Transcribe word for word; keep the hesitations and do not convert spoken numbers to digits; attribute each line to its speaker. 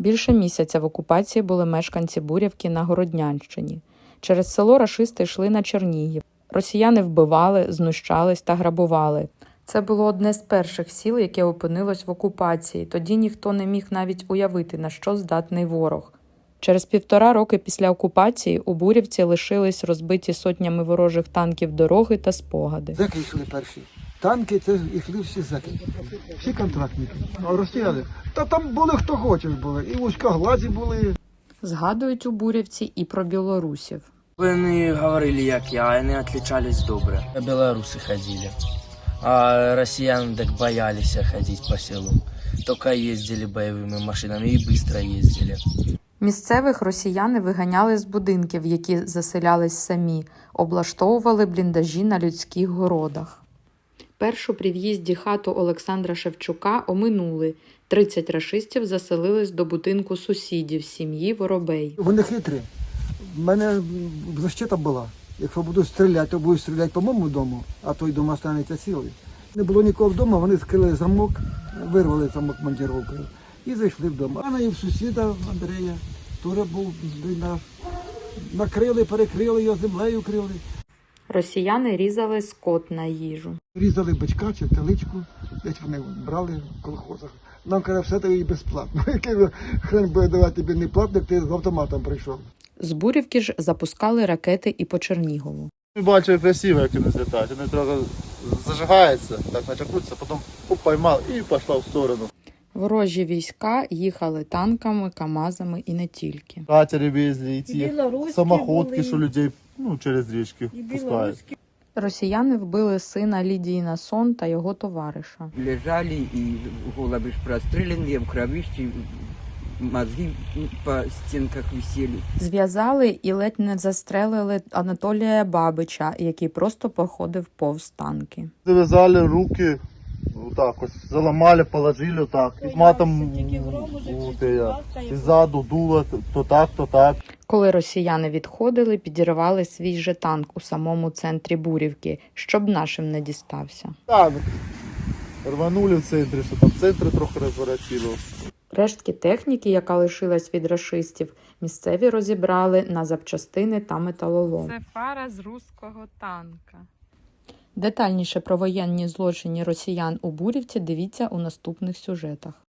Speaker 1: Більше місяця в окупації були мешканці Бурявки на Городнянщині. Через село рашисти йшли на Чернігів. Росіяни вбивали, знущались та грабували. Це було одне з перших сіл, яке опинилось в окупації. Тоді ніхто не міг навіть уявити, на що здатний ворог. Через півтора роки після окупації у Бурявці лишились розбиті сотнями ворожих танків дороги та спогади.
Speaker 2: Зеки йшли перші. Танки, це йшли всі зеки. Всі контрактники. А росіяни, та там були хто хочеш були. І вузькоглазі були.
Speaker 1: Згадують у Бурявці і про білорусів.
Speaker 3: Вони говорили, як я, вони відрізнялись добре.
Speaker 4: Белорусы ходили, а россиян так боялись ходить по селу. Только ездили боевыми машинами и быстро ездили.
Speaker 1: Місцевих росіяни виганяли з будинків, які заселялись самі, облаштовували бліндажі на людських городах. Першу при в'їзді хату Олександра Шевчука оминули. тридцять рашистів заселились до будинку сусідів сім'ї Воробей.
Speaker 2: Вони хитрі. В мене защита була. Якщо буду стріляти, то будуть стріляти по моєму дому, а той дом останеться цілий. Не було нікого вдома, вони скрили замок, вирвали замок монтіровкою і зайшли вдома. А і в сусіда Андрія теж був бліндаж. Накрили, перекрили його, землею крили.
Speaker 1: Росіяни різали скот на їжу.
Speaker 2: Різали бичка чи теличку, десь вони брали в колхозах. Нам каже, все тобі безплатно. Який хрен буде давати тобі не платно, як ти з автоматом прийшов.
Speaker 1: З Бурявки ж запускали ракети і по Чернігову.
Speaker 5: Бачив красиво, як вони злітають. Вони трохи зажигаються, так начакуються, потім оп, поймав і пішла в сторону.
Speaker 1: Ворожі війська їхали танками, камазами і не тільки.
Speaker 5: Катери везли, і ті самоходки, що людей ну, через річки пускають.
Speaker 1: Росіяни вбили сина Лідії Насон та його товариша.
Speaker 6: Лежали і голови ж простріляні, в кровищі, мозги по стінках висіли.
Speaker 1: Зв'язали і ледь не застрелили Анатолія Бабича, який просто проходив повз танки.
Speaker 5: Зав'язали руки, отак ось, заламали, положили отак. І матом і ззаду дуло, то так, то так.
Speaker 1: Коли росіяни відходили, підірвали свій же танк у самому центрі Бурівки, щоб нашим не дістався.
Speaker 5: Так, рванули в центрі, що там в центрі трохи розворотило.
Speaker 1: Рештки техніки, яка лишилась від рашистів, місцеві розібрали на запчастини та металолом. Це фара з руського танка. Детальніше про воєнні злочини росіян у Бурівці дивіться у наступних сюжетах.